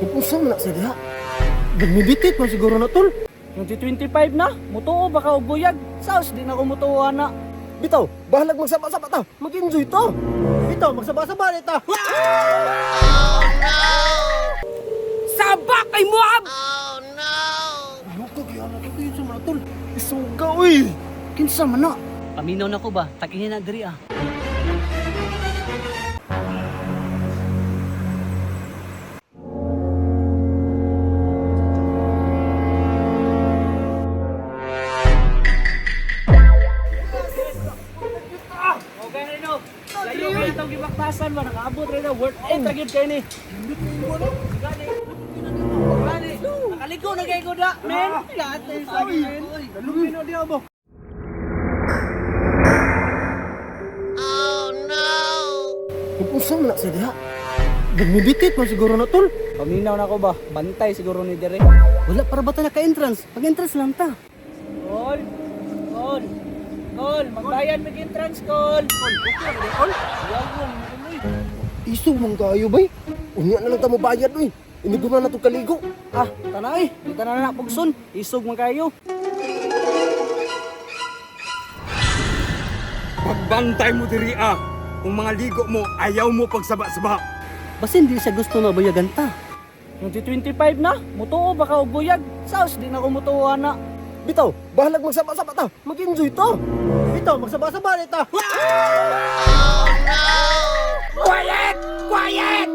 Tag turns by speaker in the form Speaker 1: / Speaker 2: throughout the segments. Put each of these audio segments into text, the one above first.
Speaker 1: Usa man na sa diha. Gamibitit man siguro na tol.
Speaker 2: 2025 na, mutuo baka og buyag. Saos di na ko mutuo na.
Speaker 1: Bitaw, bahalag magsaba-saba ta. Mag-enjoy to. Bitaw, magsaba-saba na ta.
Speaker 2: Sabak kay Moab!
Speaker 1: Luka kaya na to yun sa mga tol. Isuga uy.
Speaker 2: Kinsa man na? Paminaw na ko ba? Takihin na diri ah. Okay na no. Layo ka itong gibaktasan ba? Nakaabot rin na. Worth it na gyud kay ni. Gani. Nakaligo na kay ko da. Men. Lahat ay sa men.
Speaker 1: Dalugin na diha ba? Usa man na sa diha. Gamibitit man siguro na tol.
Speaker 2: Paminaw na ko ba? Bantay siguro ni dire.
Speaker 1: Wala para ba ta naka-entrance? Pag-entrance lang ta.
Speaker 2: Call. Call. Call. Magbayan mag-entrance call. Call. Call. Yawon.
Speaker 1: Iso man kayo bay. Unya na lang ta mo bayad uy. Inigo na to kaligo.
Speaker 2: Ah, tanay. Dito na na pugson. Isog man kayo.
Speaker 3: Pagbantay mo diri ah. Kung mga ligo mo, ayaw mo pagsaba-saba.
Speaker 2: Basin di siya gusto na bayagan ta. 2025 na, mutuo baka og buyag. Saos di na ko mutuo na.
Speaker 1: Bitaw, bahalag magsaba-saba ta. Mag-enjoy to. Bitaw, magsaba-saba na ta.
Speaker 3: Quiet! Quiet!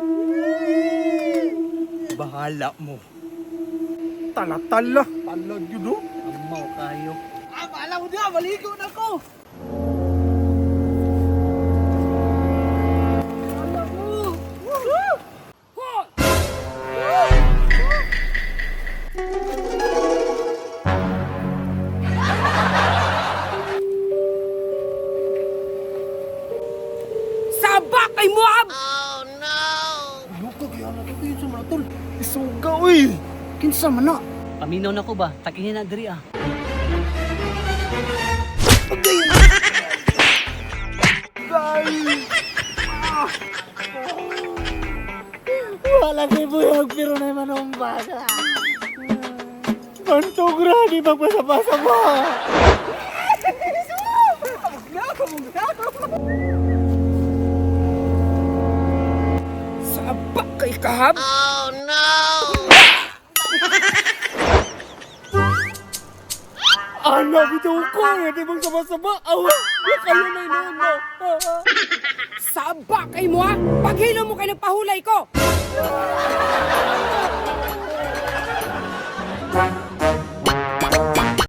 Speaker 3: Bahala mo. Tala-tala. Talag yun o.
Speaker 2: Amaw kayo. Ah, bahala mo diha, maligo na ko. Sabak kay Moab!
Speaker 1: Luka kaya na to yun sa mga tol. Isuga uy.
Speaker 2: Kinsa man na? Paminaw na ko ba? Takihin na diri ah.
Speaker 1: Wala kay buyag pero na manumbas. Pantugra di magpasaba-saba.
Speaker 3: Sabak kay kahab.
Speaker 1: Ano bitaw ko di magsaba-saba. Awa, kayo na inoon mo.
Speaker 4: Sabak kay mo ha! Paghilo mo kay nagpahulay ko!